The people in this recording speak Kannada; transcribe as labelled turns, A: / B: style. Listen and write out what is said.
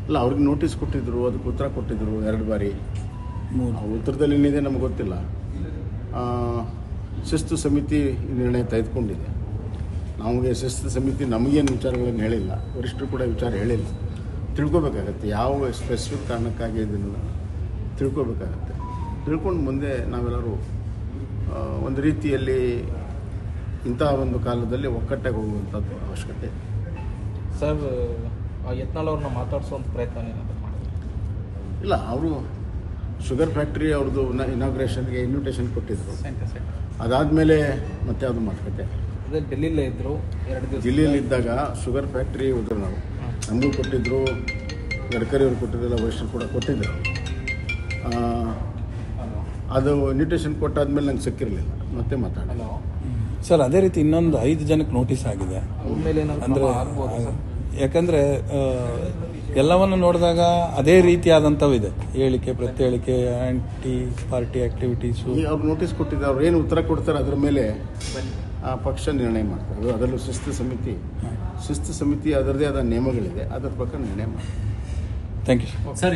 A: ಇಲ್ಲ, ಅವ್ರಿಗೆ ನೋಟಿಸ್ ಕೊಟ್ಟಿದ್ದರು, ಅದಕ್ಕೆ ಉತ್ತರ ಕೊಟ್ಟಿದ್ದರು 2 ಬಾರಿ. ಉತ್ತರದಲ್ಲಿ ಏನಿದೆ ನಮ್ಗೆ ಗೊತ್ತಿಲ್ಲ. ಶಿಸ್ತು ಸಮಿತಿ ನಿರ್ಣಯ ತೆಗೆದುಕೊಂಡಿದೆ. ನಮಗೆ ಶಿಸ್ತು ಸಮಿತಿ ನಮಗೇನು ವಿಚಾರಗಳನ್ನು ಹೇಳಿಲ್ಲ, ವರಿಷ್ಠರು ಕೂಡ ವಿಚಾರ ಹೇಳಿಲ್ಲ. ತಿಳ್ಕೊಬೇಕಾಗತ್ತೆ ಯಾವ ಸ್ಪೆಸಿಫಿಕ್ ಕಾರಣಕ್ಕಾಗಿ ಇದನ್ನು ತಿಳ್ಕೊಬೇಕಾಗತ್ತೆ. ತಿಳ್ಕೊಂಡು ಮುಂದೆ ನಾವೆಲ್ಲರೂ ಒಂದು ರೀತಿಯಲ್ಲಿ ಇಂತಹ ಒಂದು ಕಾಲದಲ್ಲಿ ಒಕ್ಕಟ್ಟಾಗಿ ಹೋಗುವಂಥದ್ದು ಅವಶ್ಯಕತೆ.
B: ಸರ್, ಯತ್ನಾಳ್ ಅವ್ರನ್ನ ಮಾತಾಡಿಸುವಂಥ ಪ್ರಯತ್ನ ಏನಾದರೂ ಮಾಡಿದ್ರು?
A: ಇಲ್ಲ, ಅವರು ಶುಗರ್ ಫ್ಯಾಕ್ಟ್ರಿ ಅವ್ರದ್ದು ಇನಾಗ್ರೇಷನ್ಗೆ ಇನ್ವಿಟೇಷನ್ ಕೊಟ್ಟಿದ್ದರು. ಅದಾದಮೇಲೆ ಮತ್ತೆ ಅದು ಮಾತುಕತೆ.
B: ಅದೇ ಡೆಲ್ಲಿಲೇ ಇದ್ದರು 2 ದಿವಸ.
A: ದಿಲ್ಲಿಯಲ್ಲಿದ್ದಾಗ ಶುಗರ್ ಫ್ಯಾಕ್ಟ್ರಿ ಹೋದ್ರು, ನಾವು ನಮಗೂ ಕೊಟ್ಟಿದ್ದರು, ಗಡ್ಕರಿ ಅವರು ಕೊಟ್ಟಿದ್ದೆಲ್ಲ, ವರಿಷ್ಠರು ಕೂಡ ಕೊಟ್ಟಿದ್ದರು. ಅದು ಇನ್ವಿಟೇಷನ್ ಕೊಟ್ಟಾದ್ಮೇಲೆ ನಂಗೆ ಸಿಕ್ಕಿರಲಿಲ್ಲ, ಮತ್ತೆ ಮಾತಾಡೋಣ.
C: ಸರ್, ಅದೇ ರೀತಿ ಇನ್ನೊಂದು 5 ಜನಕ್ಕೆ ನೋಟಿಸ್ ಆಗಿದೆ. ಅಂದರೆ ಯಾಕಂದರೆ ಎಲ್ಲವನ್ನು ನೋಡಿದಾಗ ಅದೇ ರೀತಿಯಾದಂಥವು ಇದೆ, ಹೇಳಿಕೆ ಪ್ರತಿ ಆ್ಯಂಟಿ ಪಾರ್ಟಿ ಆ್ಯಕ್ಟಿವಿಟೀಸು.
A: ಅವ್ರು ನೋಟಿಸ್ ಕೊಟ್ಟಿದ್ದಾರೆ, ಅವ್ರು ಏನು ಉತ್ತರ ಕೊಡ್ತಾರೆ ಅದ್ರ ಮೇಲೆ ಪಕ್ಷ ನಿರ್ಣಯ ಮಾಡ್ತಾರೆ. ಅದರಲ್ಲೂ ಶಿಸ್ತು ಸಮಿತಿ ಅದರದೇ ಆದ ನಿಯಮಗಳಿದೆ, ಅದರ ಪ್ರಕಾರ ನಿರ್ಣಯ ಮಾಡ್ತಾರೆ.
C: Thank you sir.